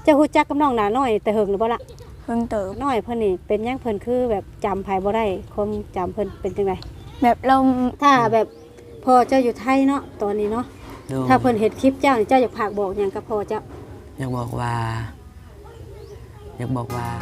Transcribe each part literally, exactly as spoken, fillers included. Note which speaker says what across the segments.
Speaker 1: เจ้าฮู้จักกับน้องหลาน้อยแต่เฮิงหรือบ่ล่ะ
Speaker 2: เพิ่งเติบ
Speaker 1: น้อยเพิ่นนี่เป็นหยังเพิ่นคือแบบจำไผบ่ได้ความจำเพิ่นเป็นจังได๋
Speaker 2: แบบเรา
Speaker 1: ถ้าแบบพ่อเจ้าอยู่ไทยเนาะตอนนี้เนาะถ้าเพิ่นเห็นคลิปเจ้านี่เจ้าอยากฝากบอกหยังกับพ่อเจ้า
Speaker 3: อยากบอกว่าอยากบอกว่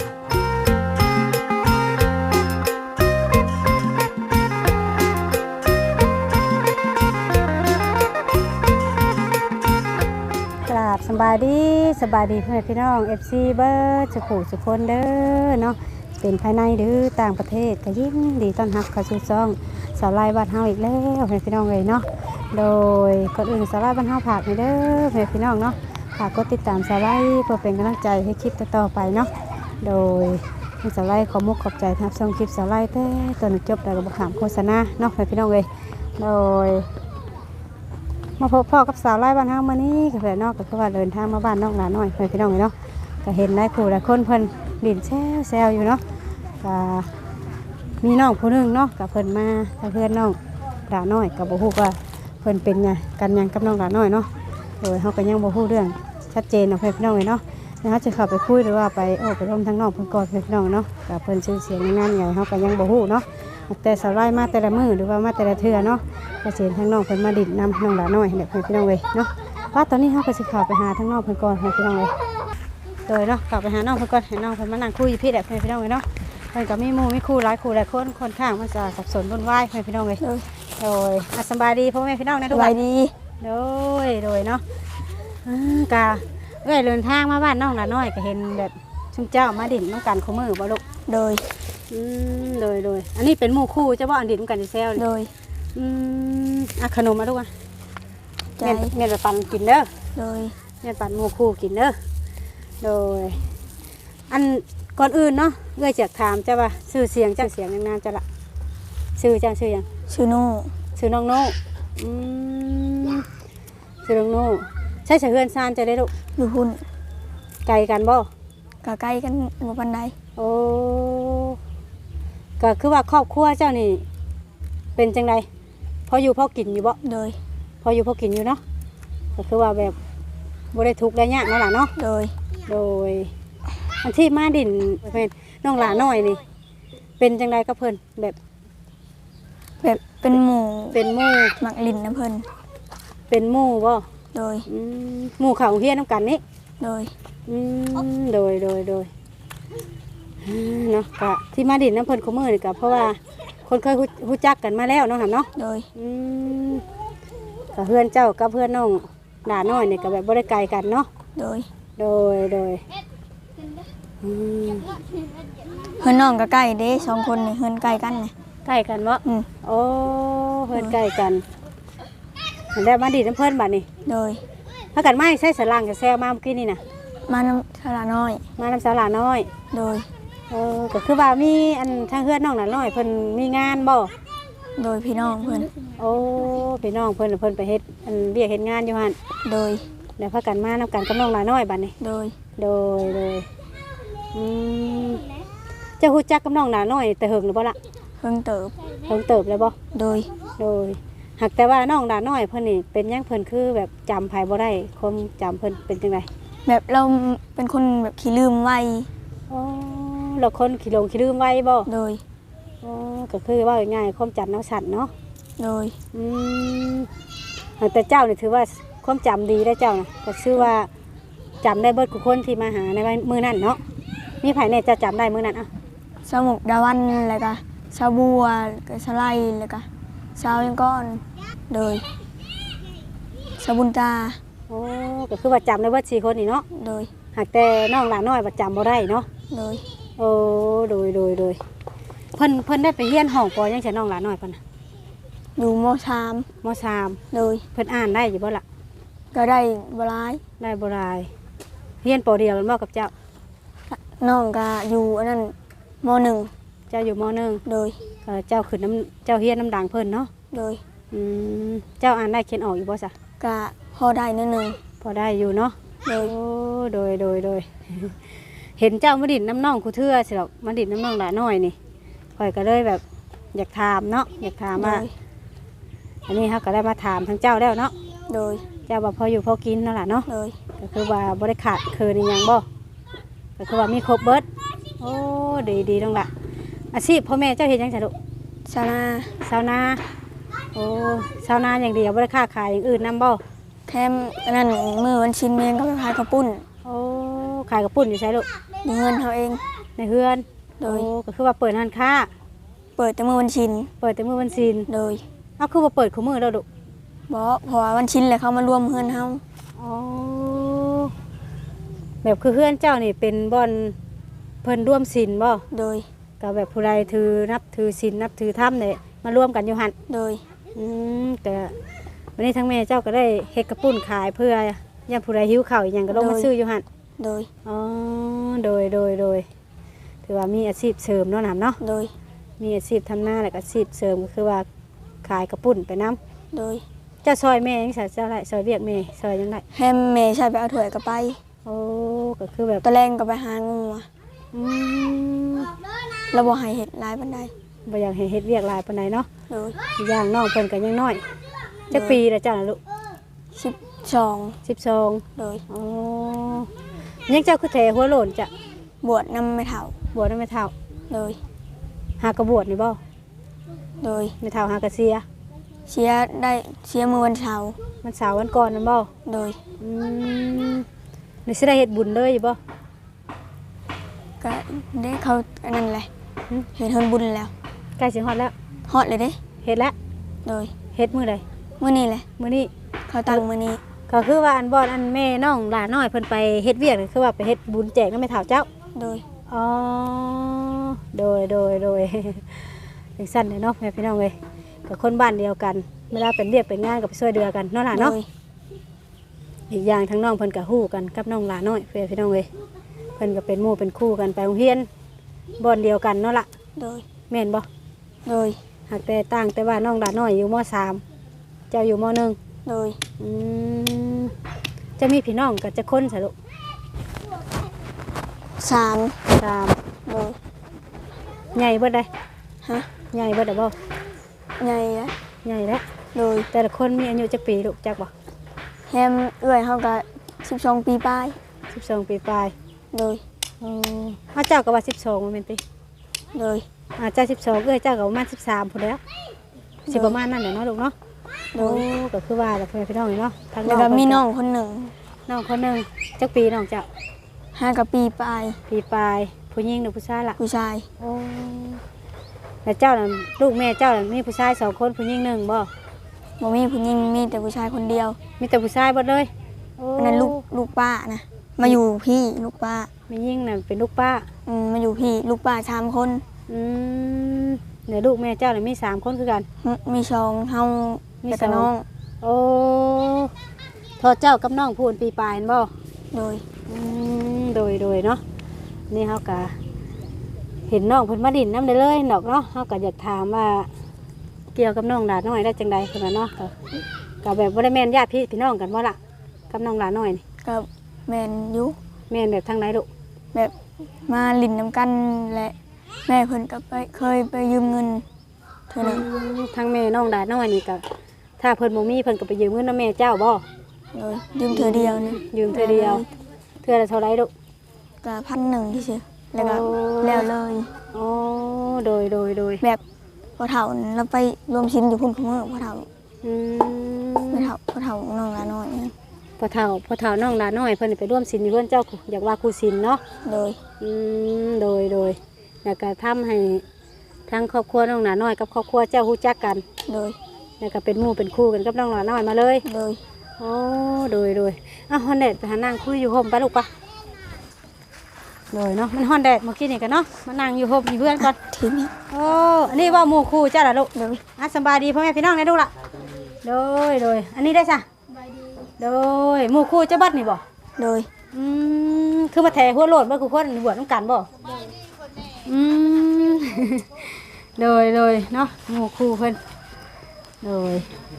Speaker 1: ากราบสบายดีสบายดีเพื่อนพี่น้อง เอฟ ซี เบิร์ดสุขุสุคนเด้อเนาะเป็นภายในหรือต่างประเทศก็ยินดีต้อนรับเข้าสู่ช่องสาวไล่บ้านเฮาอีกแล้วเพื่อนพี่น้องเลยเนาะโดยก่อนอื่นสาวไล่บ้านเฮาฝากให้เด้อเพื่อนพี่น้องเนาะฝากกดติดตามสาวไล่เพื่อเป็นกำลังใจให้คลิปต่อๆไปเนาะโดยสาวไล่ขอมุกขอบใจทับชมคลิปสาวไล่แต่ตอนจบแล้วก็บอกถามโฆษณาเนาะเพื่อนพี่น้องเลยโดยมาพบพ่อกับสาวไล่บ้านเฮามื้อนี้ก็เพื่อนนอกก็คือว่าเดินทางมาบ้านน้องหลานน้อยเพื่อนพี่น้องเลยเนาะก็เห็นได้ครูหลายคนเพิ่นดินแซวแซวอยู่เนาะก็มีน้องผู้นึงเนาะกับเพิ่นมาเพื่อนน้องหลานน้อยกับบ่ฮู้ว่าเพิ่นเป็นไงกันยังกับน้องหลานน้อยเนาะโดยเฮาก็ยังบ่ฮู้เรื่องชัดเจนเนาะเพื่อนพี่น้องเลยเนาะแล้วเฮาจะเข้าไปคุยหรือว่าไปโอ้ไปร่วมทั้งน้องเพิ่นก่อนเพื่อนพี่น้องเนาะกับเพิ่นชื่อเสียงในงานใหญ่เฮาก็ยังบ่ฮู้เนาะแต่สาวไล่มาแต่ละมื้อหรือว่ามาแต่ละเทื่อเนาะก็เห็นทั้งน้องเพิ่นมาดินนำน้องหลานน้อยให้เพื่อนพี่น้องเลยเนาะว่าตอนนี้เฮาก็สิเข้าไปหาทั้งน้องเพิ่นก่อนเพื่อนพี่น้องเลยโดยเนาะกลับไปหาน้องเพิ่นก่อนให้น้องเพิ่นมานั่งคุยพี่แหละเพื่อนพี่น้องเลยเนาะเพิ่นก็มีหมู่มีคู่หลายคู่หลายคนค่อนข้างมันจะสับสนวุ่นวายเพื่อนพี่น้องเลยโดยสบายดีพ่อแม่พี่น้องนะทุกคนสบายดีโดยโดยเนาะกะเอ้ยเดินทางมาบ้านน้องหลานน้อยก็เห็นแบบชุมเจ้ามาดิ่นน้องกันคู่มือบ่ลูก
Speaker 2: โดย
Speaker 1: อืมโดยโดยอันนี้เป็นหมู่คู่เจ้าบ่อันดิ่นกันแซว
Speaker 2: โดย
Speaker 1: อืมอ่ะขนมมาลูกอ่ะ
Speaker 2: ใจ
Speaker 1: เมียนเมียนไปปั่นกินเด้อ
Speaker 2: โดย
Speaker 1: เมียนปั่นหมู่คู่กินเด้อโดยอันก่อนอื่นเนาะเอ้ยจะถามเจ้าว่าชื่อเสียงเจ้าเสียงยังนานจะละชื่อเจ้าชื่อยัง
Speaker 2: ชื่อโน่
Speaker 1: ชื่อน้องโน่อืมชื่อน้องโน่ใช่เสือเฮือนซานจะได้ลูก
Speaker 2: อยู่หุ่น
Speaker 1: ไกลกันบ่
Speaker 2: ก็ใกล้กันบ่ปานใด
Speaker 1: โอ้ก็คือว่าครอบครัวเจ้านี่เป็นจังไดพออยู่พอกินอยู่บ่
Speaker 2: โดย
Speaker 1: พออยู่พอกินอยู่เนาะก็คือว่าแบบบ่ได้ทุกข์ได้ยากเนาะล่ะเนาะ
Speaker 2: โดย
Speaker 1: โดยอันที่มาดินเป็นน้องหลาน้อยนี่เป็นจังไดกับเพิ่นแบบ
Speaker 2: แบบเป็นหมู่
Speaker 1: เป็นหมู่
Speaker 2: มักลิ้นนะเพิ่น
Speaker 1: เป็นหมู่บ่
Speaker 2: โดย
Speaker 1: อืมหมู่เขาเฮียนนำกันนี่
Speaker 2: โดย
Speaker 1: อืมโดยโดยโดยเนาะก็ที่มาดินน้ำเพิ่นคู่มือนี่ก็เพราะว่าคนเคยรู้จักกันมาแล้วเนาะครับเนาะ
Speaker 2: โดย
Speaker 1: อืมก็เพื่อนเจ้ากับเพื่อนน้องหลาน้อยนี่ก็แบบบ่ได้ไกลกันเนาะ
Speaker 2: โดย
Speaker 1: โดยโดยอืม
Speaker 2: เพื่อนน้องก็ใกล้เด้สองคนนี่เฮือนใกล้กันนี่
Speaker 1: ใกล้กันบ่
Speaker 2: อืม
Speaker 1: โอ้เพื่อนใกล้กันแล้วมาดินน้ำเพิ่นบัดนี้
Speaker 2: โดย
Speaker 1: ถ้ากันไม่ใช่สลังจะแซวมาเมื่อกี้นี่นะ
Speaker 2: มาน้ำสาราน้อย
Speaker 1: มาน้ำสาราน้อย
Speaker 2: โดย
Speaker 1: เออก็คือว่ามีอันทางเพื่อนน้องน่ะน้อยเพิ่นมีงานบ่
Speaker 2: โดยพี่น้องเพิ่น
Speaker 1: โอ้พี่น้องเพิ่นเพิ่นไปเฮ็ดอันเรียกเฮ็ดงานอยู่หั่น
Speaker 2: โดย
Speaker 1: แล้วพากันมานำกันกับน้องหลาน้อยบัดนี้
Speaker 2: โดย
Speaker 1: โดยโดยอืมเจ้าฮู้จักกับน้องหลาน้อยแต่เฮิงหรือบ่ล่ะ
Speaker 2: เพิ่งเติบ
Speaker 1: เฮิงเติบแล้วบ่
Speaker 2: โดย
Speaker 1: โดยหากแต่ว่าน้องหลาน้อยเพิ่นนี่เป็นหยังเพิ่นคือแบบจำไผบ่ได้ความจำเพิ่นเป็นจังได๋
Speaker 2: แบบเราเป็นคนแบบขี้ลืมไว
Speaker 1: อ๋อเราคนขี้หลงขี้ลืมไวบ่
Speaker 2: โดย
Speaker 1: อ๋อก็คือว่าง่ายๆความจำน้ำสั่นเนาะ
Speaker 2: โดย
Speaker 1: อืมแต่เจ้านี่ถือว่าความจำดีได้เจ้านะก็ชื่อว่าจำได้เบิดทุกคนที่มาหาในมือนั่นเนาะมีไผเนี่ยจะจำได้มือนั่นอ่ะ
Speaker 2: สมุกดาวันอะไรกะชาบัวกับชาไลอะไรกะชาวยังก้อนโดยชาบุญตา
Speaker 1: โอ้ก็คือว่าจำได้เบิดสี่คนนี่เนาะ
Speaker 2: โดย
Speaker 1: หากแต่น้องหลานน้อยว่าจำบ่ได้เนาะ
Speaker 2: โดย
Speaker 1: โอ้โดยโดยโดยเพิ่นเพิ่นได้ไปเรียนห้องปอยังใช่น้องหลานน้อยเพิ่น
Speaker 2: อยู่ม.สาม
Speaker 1: ม.สาม
Speaker 2: โดย
Speaker 1: เพิ่นอ่านได้อยู่บ่ล่ะ
Speaker 2: ก็ได้บ่หลาย
Speaker 1: ได้บ่หลายเรียนปอเดียวกันบ่กับเจ้า
Speaker 2: น้องก็อยู่อันนั้นม.หนึ่ง
Speaker 1: เจ้าอยู่ม.หนึ่ง
Speaker 2: โดย
Speaker 1: เจ้าขึ้นน้ำเจ้าเรียนน้ำดังเพิ่นเนาะ
Speaker 2: โดย
Speaker 1: อืมเจ้าอ่านได้เขียนออกอยู่บ่ซะ
Speaker 2: ก็พอได้นิดนึง
Speaker 1: พอได้อยู่เนาะ
Speaker 2: โดย
Speaker 1: โอ้โดยโดยโดยเห็นเจ้ามาดินน้ำน่องคูเทื่อสิหรอกมาดินน้ำน่องหลาน้อยนี่ข่อยก็เลยแบบอยากถามเนาะอยากถามว่าอันนี้เขาก็ได้มาถามทั้งเจ้าแล้วเนาะ
Speaker 2: โดย
Speaker 1: เจ้าบ่พออยู่พอกินนั่นแหละเนาะ
Speaker 2: โดย
Speaker 1: ก็คือว่าบริขาดคือในยังบ่ก็คือว่ามีครบเบิดโอ้ดีดีน้องละอาชีพพ่อแม่เจ้าเฮ็ดหยังจ้ะลูก
Speaker 2: ชาวนา
Speaker 1: ชาวนาโอ้ชาวนาอย่างเดียวบ่ได้ค้าขายอย่างอื่นนำบ่
Speaker 2: แค่อันนั้นมือวันชินเมียงก็ไปขายข้าวปุ้น
Speaker 1: โอ้ขายกระปุ่นอยู่ใช่ลูก
Speaker 2: มีเงินเขาเอง
Speaker 1: ในเฮือน
Speaker 2: โดย
Speaker 1: โอ้ก็คือว่าเปิดร้านค้า
Speaker 2: เปิดแต่มือวันชิน
Speaker 1: เปิดแต่มื้อวันศีล
Speaker 2: โดย
Speaker 1: เอาคือว่าเปิดคู่มื้อแล้วลูก
Speaker 2: บ่เพราะว่าวันชินเลยเขามารวมเงินเฮา
Speaker 1: อ๋อแบบคือเฮือนเจ้านี่เป็นบ่อนเพิ่นร่วมศีลบ่
Speaker 2: โดย
Speaker 1: ก็แบบผู้ใดถือนับถือศีลนับถือธรรมเนี่ยมาร่วมกันอยู่หั่น
Speaker 2: โดย
Speaker 1: อืมแต่วันนี้ทั้งแม่เจ้าก็ได้เฮ็ดกระปุ้นขายเพื่อย่ามผู้ใดหิวข้าวอีหยังก็ลงมาซื้ออยู่หั่น
Speaker 2: โดย
Speaker 1: อ๋อโดยโดยโดยถือว่ามีอาชีพเสริมเนาะนํเนาะ
Speaker 2: โดย
Speaker 1: มีอาชีพทำหน้าแล้วก็อาชีพเสริมก็คือว่าขายกระปุ้นไปนํ
Speaker 2: โดย
Speaker 1: เจ้าซอยแม่ยังซะเจ้าไรซอยเวียกแม่ซอยยังไง
Speaker 2: แฮมเมย์ใช่ไปเอาถ้วยก็ไป
Speaker 1: โอ้ก็คือแบบ
Speaker 2: ตะแรงก็ไปหางูอะ
Speaker 1: อืม
Speaker 2: แล้วบ่ให้เฮ็ดหลายปานใด
Speaker 1: บ่อยากให้เฮ็ดเวียกหลายปานใดเนาะ
Speaker 2: โดย
Speaker 1: อย่างน้องเพิ่นก็ยังน้อยจักปีแล้วเจ้าน่ะลูก
Speaker 2: สิบสอง
Speaker 1: สิบสอง
Speaker 2: โดย
Speaker 1: อ๋อยังเจ้าคือแถหัวโหล่นจ้ะ
Speaker 2: บวชนำไม่เฒ่า
Speaker 1: บวชไม่เท่า
Speaker 2: โดย
Speaker 1: หากระบวชนี่บ่
Speaker 2: โดย
Speaker 1: ไม่เท่าหากระเสีย
Speaker 2: เสียได้เสียมือวันเสาร์
Speaker 1: มันสาววันก่อนนั่นบ่
Speaker 2: โดย
Speaker 1: อืมนี่สิได้เฮ็ดบุญเลยอยู่บ่
Speaker 2: ก็ได้เขาอันนั้นแหละ
Speaker 1: หึ
Speaker 2: เห็นเฮินบุญแล้ว
Speaker 1: ใกล้สิฮอดแล้ว
Speaker 2: ฮอดเลยเด้
Speaker 1: เฮ็ดแล้ว
Speaker 2: โดย
Speaker 1: เฮ็ดมื้อใด
Speaker 2: มื้อนี้แหละ
Speaker 1: มื้อนี้
Speaker 2: เขาตั้งมื้อนี้
Speaker 1: ก็คือว่าอันบ่อนอันแม่น้องหลานน้อยเพิ่นไปเฮ็ดเวียกนี่คือว่าไปเฮ็ดบุญแจกนำแม่เฒ่าเจ้า
Speaker 2: โดย
Speaker 1: อ๋อโดยโดยโดย จังซั่นเด้เนาะแม่พี่น้องเอ้ยก็คนบ้านเดียวกันเวลาเป็นเรียกเป็นงานก็ไปช่วยเดือกันเนาะล่ะ
Speaker 2: โด
Speaker 1: เนาะ
Speaker 2: ย
Speaker 1: อีกอย่างทั้งน้องเพิ่นก็ฮู้กันกับน้องหลาน้อยเพื่อนพี่น้องเอ้ยเพิ่นก็เป็นหมู่เป็นคู่กันไปโรงเรียนบ่อนเดียวกันเนาะล่ะ
Speaker 2: โดย
Speaker 1: แม่นบ่
Speaker 2: โดย
Speaker 1: หากแต่ต่างแต่ว่าน้องหลาน้อยอยู่มสามเจ้าอยู่มหนึ่ง
Speaker 2: โดย
Speaker 1: อืมจะมีพี่น้องก็จะคนซะลูก
Speaker 2: สาม
Speaker 1: สาม
Speaker 2: โดย
Speaker 1: ใหญ่เบิดได้
Speaker 2: ฮะ
Speaker 1: ใหญ่เบิดได้บ่
Speaker 2: ใหญ่อะ
Speaker 1: ใหญ่แล้ว
Speaker 2: โดย
Speaker 1: แต่ละคนมีอายุจักปีลูกจักบ่
Speaker 2: แฮมเอื้อยเฮาก็สิบสองปีปลาย
Speaker 1: สิบสองปีปลาย
Speaker 2: โดย
Speaker 1: อ๋ออ้าวเจ้าก็ว่าสิบสองบ่แม่นติ
Speaker 2: โดย
Speaker 1: อ่าเจ้าสิบสองเอ้ยเจ้าก็ประมาณสิบสามพุ่นแล้วสิประมาณนั้นแหละเนาะลูกเนาะ
Speaker 2: โด
Speaker 1: โอ้
Speaker 2: ย
Speaker 1: ก็คือว่าแบบเพื่อนพี่น้องนี่เนาะทาง
Speaker 2: แล้วก็มีน้องคนหนึ่ง
Speaker 1: น้องคนหนึ่งจักปีน้องเจ้า
Speaker 2: ห้ากับปีปลาย
Speaker 1: ปีปลายผู้หญิงหรือผู้ชายล่ะ
Speaker 2: ผู้ชาย
Speaker 1: โอ้แล้วเจ้าน่ะลูกแม่เจ้าน่ะมีผู้ชายสองคนผู้หญิงหนึ่งบ่
Speaker 2: บ่มีผู้หญิงมีแต่ผู้ชายคนเดียว
Speaker 1: มีแต่ผู้ชายหมดเลยโอ้
Speaker 2: อันนั้นลูกลูกป้านะมาอยู่พี่ลูกป้า
Speaker 1: มียิ่งน่ะเป็นลูกป้า
Speaker 2: อืมมาอยู่พี่ลูกป้าสามคน
Speaker 1: อืมเนี่ยลูกแม่เจ้าน่ะมีสามคนคือกัน
Speaker 2: มมีชองเฮา
Speaker 1: มี
Speaker 2: แล้วก็
Speaker 1: สอง
Speaker 2: น้อง
Speaker 1: โอ้ทอเจ้ากับน้องพูนปีปลายนั่นบ่
Speaker 2: โดย
Speaker 1: อืมโดยโดยเนาะนี่เฮากะเห็นน้องเพิ่นมาดินน้ำได้เลยดอกเนาะเฮากะอยากถามว่าเกี่ยวกับน้องหลานน้อยได้จังใดเพิ่นว่าเนาะก็ก็แบบบ่ได้แม่นญาติพี่พี่น้องกันบ่ล่ะกับน้องหลานน้อยนี่
Speaker 2: กับแมนอยุ
Speaker 1: แม่นแบบทางไหนลูก
Speaker 2: แบบมาลินน้ำกันและแม่เพิ่นก็ไปเคยไปยืมเงินเท่านึง
Speaker 1: ทางแม่น้องหลานน้อยนี่ก็ถ้าเพิ่นบ่มีเพิ่นก็ไปยืมเงินนำแม่เจ้าบ่
Speaker 2: โดยยืมเธอเดียวนะ
Speaker 1: ยืมเทื่อเดียวเทื่อละเท่าไหร่ลูก
Speaker 2: ก็พันหนึ่งที่เชื่อแล้วก็
Speaker 1: โอ้
Speaker 2: แล้วเลย
Speaker 1: อ๋อโดยโดยโดย
Speaker 2: แบบพอเฒ่าเราไปรวมชิ้นอยู่พุ่นของเมื่อพอเฒ่า
Speaker 1: อืม
Speaker 2: ไม่เฒ่าพอเฒ่าน้องละน้อยนะ
Speaker 1: พอเฒ่าพอเฒ่าน้องหลานน้อยเพิ่นไปร่วมศีลอยู่เพิ่นเจ้าอยากว่าครูศีลเนาะ
Speaker 2: โดย
Speaker 1: อืมโดยโดยแล้วก็ทำให้ทั้งครอบครัวน้องหลานน้อยกับครอบครัวเจ้าฮู้จักกัน
Speaker 2: โดย
Speaker 1: แล้วก็เป็นหมู่เป็นคู่กันกับน้องหลานน้อยมาเลย
Speaker 2: โดย
Speaker 1: โอ้โดยโดยอ่ะฮอนแดดไปหานั่งคุยอยู่ห่มไปลูกปะโดยเนาะมันฮอนแดดเมื่อกี้นี่กันเนาะมานั่งอยู่ห่มอยู่เพื่อนก่อน
Speaker 2: ทีนี้
Speaker 1: โอ้อันนี้ว่าหมู่คู่เจ้าล่ะลูก
Speaker 2: โดย
Speaker 1: อ่ะสบายดีพ่อแม่พี่น้องได้ลูกล่ะโดยโดยอันนี้ได้จ้ะโดยหมู่คู่เจ้าบัดนี่บ่
Speaker 2: โดย
Speaker 1: อืมคือมาแถหัวโลดบ่คือคนบวชน้ำกันบ่อืม โดยโดยเนาะหมู่คู่เพิ่นโดย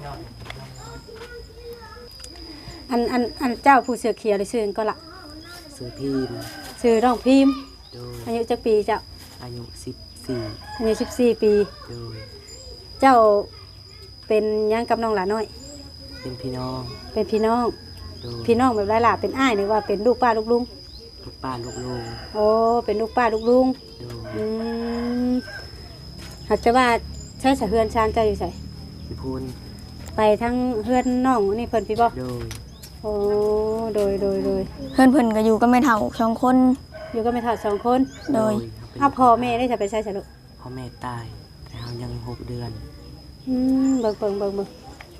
Speaker 1: อันอันอันเจ้าผู้เสือเขียวเลยชื่ออันก็ละ
Speaker 3: ซื้อพิมพ์
Speaker 1: ชื่อน้องพิมพ์
Speaker 3: โดย
Speaker 1: อายุจักปีเจ้า
Speaker 3: อายุสิบสี่
Speaker 1: อายุสิบสี่ปี
Speaker 3: โดย
Speaker 1: เจ้าเป็นหยังกับน้องหลานน้อย
Speaker 3: เป็นพี่น้อง
Speaker 1: เป็นพี่น้อง
Speaker 3: โดย
Speaker 1: พี่น้องแบบไรล่ะเป็นอ้ายหรือว่าเป็นลูกป้าลูกลุง
Speaker 3: เลูกป้าลูกลุง
Speaker 1: โอ้เป็นลูกป้าลูกลุง
Speaker 3: โดย
Speaker 1: อืมหากจะว่าใช้สะเฮือนชานเจ้าอยู่ไส
Speaker 3: พี่พูน
Speaker 1: ไปทั้งเฮือนน้องนี่เพิ่นพี่บ่
Speaker 3: โดย
Speaker 1: โอ้โดยโดยโดย
Speaker 2: เพื่อนเพิ่นก็อยู่ก็ไม่เท่าสองคน
Speaker 1: อยู่ก็ไม่เท่าสองคน
Speaker 2: โดย
Speaker 1: อ้าวพ่อแม่ได้จะไปใช้สะลูก
Speaker 3: พ่อแม่ตายแต่เรายังหกเดือน
Speaker 1: อืมเบิ่งเบิ่งเบิ่งเบิ่ง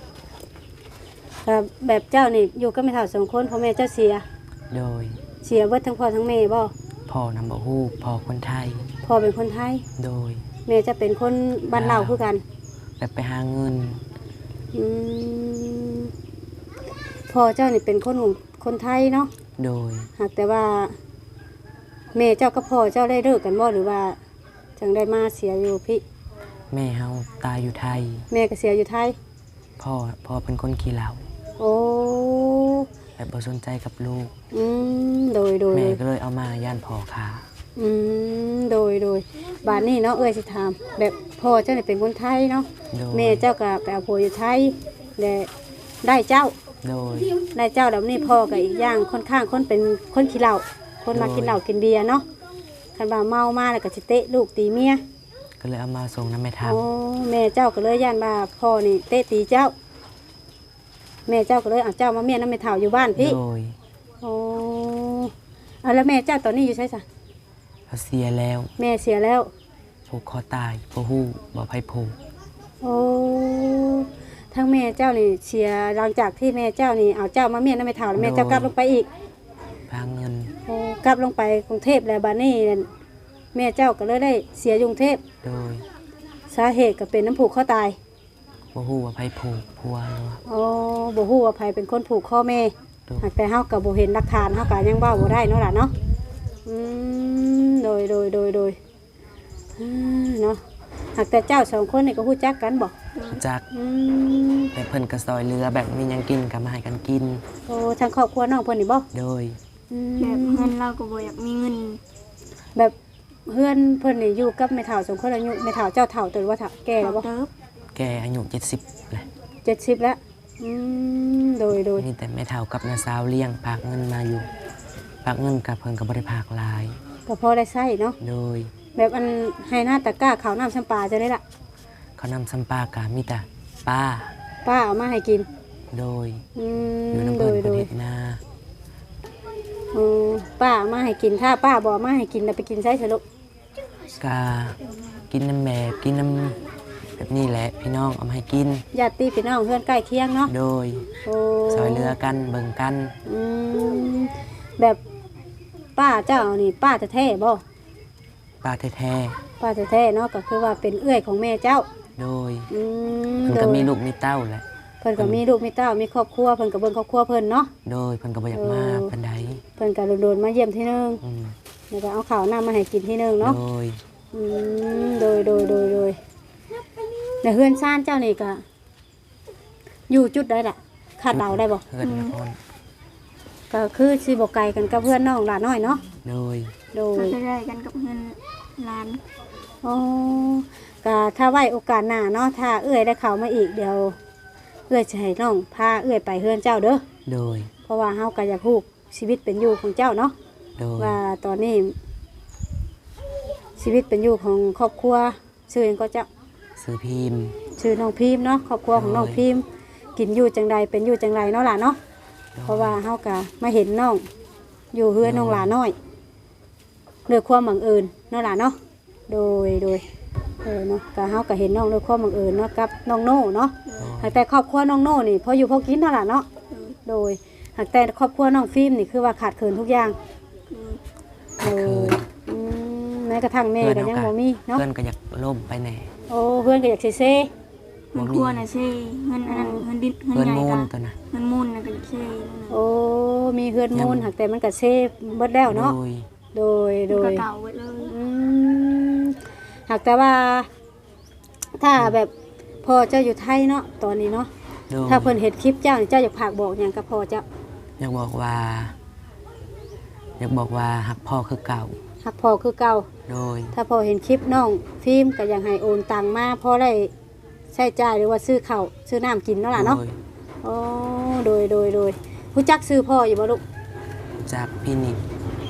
Speaker 1: แบบแบบเจ้านี่อยู่ก็ไม่เท่าสองคนพ่อแม่เจ้าเสีย
Speaker 3: โดย
Speaker 1: เสียเบิดทั้งพ่อทั้งแม่บ่
Speaker 3: พ่อนำบ่ฮู้พ่อคนไทย
Speaker 1: พ่อเป็นคนไทย
Speaker 3: โดย
Speaker 1: แม่จะเป็นคนบ้านเราคือกัน
Speaker 3: แบบไปหาเงิน
Speaker 1: อืมพ่อเจ้านี่เป็นคนของคนไทยเนาะ
Speaker 3: โดย
Speaker 1: หากแต่ว่าแม่เจ้ากับพ่อเจ้าได้เลิกกันบ่หรือว่าจังได้มาเสียอยู่พี่
Speaker 3: แม่เฮาตายอยู่ไทย
Speaker 1: แม่ก็เสียอยู่ไทย
Speaker 3: พ่อพ่อเป็นคนขี้เหล้า
Speaker 1: โอ้
Speaker 3: แบบบ่สนใจกับลูก
Speaker 1: อืมโดยโดย
Speaker 3: แม่ก็เลยเอามาย่านพ่อขา
Speaker 1: อืมโดยโดยบาดนี้เนาะเอ้ยสิถามแบบพ่อเจ้านี่เป็นคนไทยเนาะ
Speaker 3: โดย
Speaker 1: แม่เจ้าก็ไปเอาผัวอยู่ไทยและได้เจ้า
Speaker 3: โดย
Speaker 1: ได้เจ้าแล้วนี่พ่อก็อีกอย่างค่อนข้างคนเป็นคนขี้เหล้าคนมากินเหล้ากินเบียร์เนาะคันว่าเมามาแล้วก็สิเตะลูกตีเมีย
Speaker 3: ก็เลยเอามาส่งน้ำแม่ท
Speaker 1: โอ้แม่เจ้าก็เลยย่านว่าพ่อนี่เตะตีเจ้า แม่เจ้าก็เลยเอาเจ้ามาเมียน้ำแม่เฒ่าอยู่บ้าน
Speaker 3: ำ
Speaker 1: พี่
Speaker 3: โดย
Speaker 1: โอ้เอาแล้วแม่เจ้าตอนนี้อยู่ใช่ซะ
Speaker 3: เขาเสียแล้ว
Speaker 1: แม่เสียแล้ว
Speaker 3: ผูกคอตายบ่ฮู้บ่ไผผูก
Speaker 1: โอ้ทั้งแม่เจ้านี่เสียหลังจากที่แม่เจ้านี่เอาเจ้ามาเมียน้ำแม่เฒ่าแล้วแม่เจ้ากลับลงไปอีก
Speaker 3: พาเงิน
Speaker 1: โอ้กลับลงไปกรุงเทพแล้วบาดนี้นั่นแม่เจ้าก็เลยได้เสียอยู่กรุงเทพ
Speaker 3: โดย
Speaker 1: สาเหตุก็เป็นน้ำผูกข้อตาย
Speaker 3: บ่ฮู้ว่าไผผูกพัวเนาะ
Speaker 1: โอ้บ่ฮู้ว่าไผเป็นคนผูกข้อแม่
Speaker 3: โดย
Speaker 1: หากแต่เฮาก็บ่เห็นหลักฐานเฮาก็ยังเว้าบ่ได้เนาะล่ะเนาะอืมโดยโดยโดยโดยอ่าเนาะหากแต่เจ้าสองคนนี่ก็ฮู้จักกันบ่
Speaker 3: จาก
Speaker 1: อืม
Speaker 3: แต่เพิ่นก็ซอยเรือแบบมีหยังกินก็มาให้กันกิน
Speaker 1: โอ้ทางครอบครัวน้องเพิ่นนี่บ่
Speaker 3: โดย
Speaker 1: อืม
Speaker 2: แบบเงินเราก็บ่อยากมีเงิน
Speaker 1: แบบเพื่อนเพิ่นนี่อยู่กับแม่เฒ่าสองคนอายุแม่เฒ่าเจ้าเฒ่าตัวว่าเฒ่าแก่แล้วบ่
Speaker 2: เติบ
Speaker 3: แกอายุเจ็ดสิบเลย
Speaker 1: เจ็ดสิบแล้วอืมโดยโดย
Speaker 3: มีแต่แม่เฒ่ากับน้าสาวเลี้ยงพากเงินมาอยู่พากเงินกับเพิ่นก็บ่ได้พากหลาย
Speaker 1: ก็พอได้ใช้เนาะ
Speaker 3: โดย
Speaker 1: แบบอันให้หน้าตะกร้าข้าวน้ำชำปลาจะได้ละ
Speaker 3: เขานำสัมปากามีแต่ป้า
Speaker 1: ป้าเอามาให้กิน
Speaker 3: โดย
Speaker 1: อื
Speaker 3: อยู่
Speaker 1: ม
Speaker 3: น้ำ
Speaker 1: โด
Speaker 3: เพิ่น
Speaker 1: ย
Speaker 3: ป
Speaker 1: โด
Speaker 3: ระ
Speaker 1: ย
Speaker 3: เทศนา
Speaker 1: อืมป้าเอามาให้กินถ้าป้าบอกมาให้กินแล้วไปกินใช้เถอะลูก
Speaker 3: กากินน้ำแบบกินน้ำแบบนี้แหละพี่น้องเอามาให้กิน
Speaker 1: ญาติพี่น้องเพื่อนใกล้เคียงเนาะ
Speaker 3: โดย
Speaker 1: โอ้
Speaker 3: ซอยเรือกันเบิ่งกัน
Speaker 1: อืมแบบป้าเจ้านี่ป้าจะแท้ๆบ่
Speaker 3: ป้าแท้
Speaker 1: ป้าจะแท้ๆเนาะก็คือว่าเป็นเอื้อยของแม่เจ้า
Speaker 3: ๆโดย
Speaker 1: อืม
Speaker 3: เพิ่น
Speaker 1: โด
Speaker 3: ก็
Speaker 1: ย
Speaker 3: มีลูกมีเต้าแหละ
Speaker 1: เพิ่นก็มีลูกมีเต้ามีครอบครัวเพิ่นก็เบิ่งครอบครัวเพิ่นเนาะ
Speaker 3: โดยเพิ่นก็บ่อยากมา
Speaker 1: เออ
Speaker 3: ปานใด
Speaker 1: เพิ่นก็โดนๆมาเยี่ยมที่นึง
Speaker 3: อืม
Speaker 1: แล้วก็เอาข้าวน้ำมาให้กินที่นึงเนาะ
Speaker 3: โดย
Speaker 1: อืมโดยโดยโดยโดยแต่เฮือนซ่านเจ้านี่ก็อยู่จุดใดล่ะคาดเดาได้บ่
Speaker 3: เพื่อนนคร
Speaker 1: ก็คือสิบ่ไกลกันกับเพื่อนน้องหลานน้อยเนาะ
Speaker 3: โดย
Speaker 1: โด
Speaker 2: ก็
Speaker 1: ย
Speaker 2: จะได้กันกับเงินล้าน
Speaker 1: อ๋อก็ถ้าไว้โอกาสหน้าเนาะถ้าเอื้อยได้เข้ามาอีกเดี๋ยวเอื้อยจะให้น้องพาเอื้อยไปเฮือนเจ้าเด้อ
Speaker 3: โดย
Speaker 1: เพราะว่าเฮาก็อยากฮู้ชีวิตเป็นอยู่ของเจ้าเนาะ
Speaker 3: โดย
Speaker 1: ว่าตอนนี้ชีวิตเป็นอยู่ของครอบครัวชื่อหยังก็เจ้า
Speaker 3: ซื้อพิมพ์
Speaker 1: ชื่อน้องพิมพ์เนาะครอบครัวของน้องพิมพ์กินอยู่จังใดเป็นอยู่จังไรเนาะล่ะเนาะเพราะว่าเฮากะมาเห็นน้องอยู่เฮือนน้องหลาน้อยด้วยความบังเอิญเนาะล่ะเนาะโดยโดยเออเนาะกะเฮากะเห็นน้องด้วยความบังเอิญเนาะกับน้องโน่เนาะหากแต่ครอบครัวน้องโน่นี่พออยู่พอกินเนาะล่ะเนาะโดยหากแต่ครอบครัวน้องฟิล์มนี่คือว่าขาดเขินทุกอย่างโด
Speaker 3: คือย
Speaker 1: อืมแม้กระทั่งแม่ก็ยังบ่มีเนาะ
Speaker 3: เพื่อนก็อยากล่มไปแหน่
Speaker 1: โอ้เพื่อนก็อยากเซ่
Speaker 2: เงินครัวน่ะใช่เงินอันนั้นเงินดินเงิน
Speaker 3: เพื่อน
Speaker 2: ใหญ่
Speaker 3: มู
Speaker 2: ก็
Speaker 3: ลตัวน่ะ
Speaker 2: เงินมูลน่ะก็ใช่นั่น
Speaker 1: ๆ
Speaker 2: น่ะ
Speaker 1: โอ้มีเพื่อนมูลหากแต่มันก็เซ่เบิดแล้วเนาะ
Speaker 3: โดย
Speaker 1: โดยโด
Speaker 2: มันก็
Speaker 1: ย
Speaker 2: เก่าไว้เลย
Speaker 1: อืมหากแต่ว่า ถ้าแบบพ่อเจ้าอยู่ไทยเนาะตอนนี้เนาะ
Speaker 3: โดย
Speaker 1: ถ้าเพิ่นเห็นคลิปเจ้านี่เจ้าอยากฝากบอกอย่างกับพ่อเจ้า
Speaker 3: อยากบอกว่า อยากบอกว่าหักพ่อคือเก่า
Speaker 1: หักพ่อคือเก่า
Speaker 3: โดย
Speaker 1: ถ้าพ่อเห็นคลิปน้องฟิล์มก็อยากให้โอนตังมาพ่อได้ใช้จ่ายหรือว่าซื้อข้าวซื้อน้ำกินเนาะล่ะเนาะ
Speaker 3: โดย
Speaker 1: โอ้โดยโดยโดยรู้จักซื้อพ่ออยู่บ่ลูก
Speaker 3: จากพี่นิก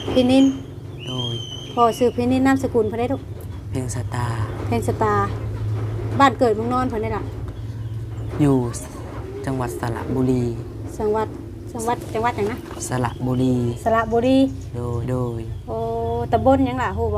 Speaker 1: พี่นิน
Speaker 3: โดย
Speaker 1: พ่อชื่อพี่นินนามสกุลเพิ่นได้ทุก
Speaker 3: เพลงสตาร์
Speaker 1: เพนสตาร์บ้านเกิดเมืองนอนเพิ่นได้ล่ะ
Speaker 3: อยู่จังหวัดสระบุรี
Speaker 1: จังหวัดจังหวัดจังหวัดหยังนะ
Speaker 3: สระบุรี
Speaker 1: สระบุรี
Speaker 3: โดยโดย
Speaker 1: โอ้ตำบลหยังล่ะฮู้บ่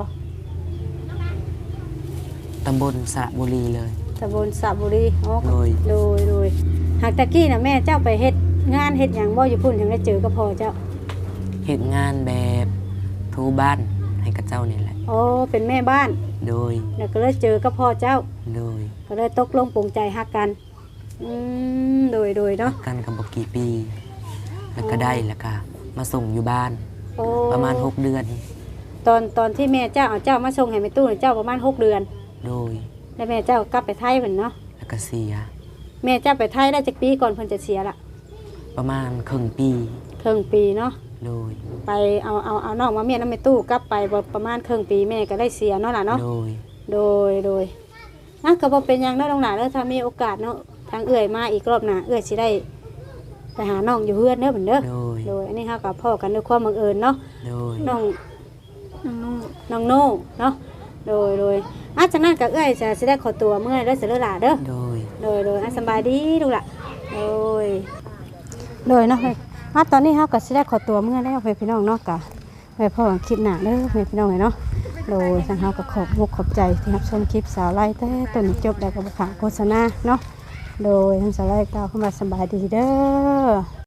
Speaker 3: ตำบลสระบุรีเลย
Speaker 1: ตำบลสระบุรีอ๋อ
Speaker 3: โดย
Speaker 1: โดยโดยหากตะกี้น่ะแม่เจ้าไปเฮ็ดงานเฮ็ดหยังบ่อยู่พุ่นถึงได้เจอกับพ่อเจ้า
Speaker 3: เหตุงานแบบทูบ้านให้กับเจ้านี่แหละ
Speaker 1: โอ้เป็นแม่บ้าน
Speaker 3: โดย
Speaker 1: แล้วก็เลยเจอกับพ่อเจ้า
Speaker 3: โดย
Speaker 1: ก็เลยตกลงปลงใจฮักกันอืมโดยโดยเนาะ
Speaker 3: กันกับบกี่ปี แล้วก็ได้แล้วก็มาส่งอยู่บ้าน
Speaker 1: โอ้
Speaker 3: ประมาณหกเดือน
Speaker 1: ตอนตอนที่แม่เจ้าเอาเจ้ามาส่งให้แม่ตู้นี่เจ้าประมาณหกเดือน
Speaker 3: โดย
Speaker 1: แล้วแม่เจ้ากลับไปไทยเพิ่นเนาะ
Speaker 3: แล้วก็เสีย
Speaker 1: แม่เจ้าไปไทยได้จักปีก่อนเพิ่นจะเสียละ
Speaker 3: ประมาณครึ่งปี
Speaker 1: ครึ่งปีเนาะ
Speaker 3: โดย
Speaker 1: ไปเอาเอาเอาน้องมาเมียน้ำแม่ตู้กลับไปบ่ประมาณครึ่งปีแม่ก็ได้เสียเนาะล่ะเนาะ
Speaker 3: โดย
Speaker 1: โดยโดยอ่ะก็บ่เป็นหยังเนาะน้องหลานเด้อถ้ามีโอกาสเนาะทางเอื้อยมาอีกรอบหน้าเอื้อยสิได้ไปหาน้องอยู่เฮือนเด้อเพิ่นเด้อ
Speaker 3: โดย
Speaker 1: โดยอันนี้เฮาก็พ้อกันด้วยความบังเอิญเนาะ
Speaker 3: โดย
Speaker 1: น้อง
Speaker 2: น้อง
Speaker 1: น้องโน่เนาะโดยโดยอ่ะจากนั้นก็เอื้อยจะสิได้ขอตัวเมื่อเด้อเสิเด้อล่ะเด้อ
Speaker 3: โดย
Speaker 1: โดยโดยอ่ะสำบายดีลูกล่ะโดยโดยเนาะอ่ะตอนนี้เฮาก็สิได้ขอตัวเมื่อแล้วเพื่อนพี่น้องเนาะก็ไว้พอกันคลิปหน้าเด้อเพื่อนพี่น้องเนาะโดยทางเฮาก็ขอบมุกขอบใจที่รับชมคลิปสาวไล่แต่ต้นจบแล้วก็บ่ขาดโฆษณาเนาะโดยทางสาวไล่กล่าวเข้ามาสำบายดีเด้อ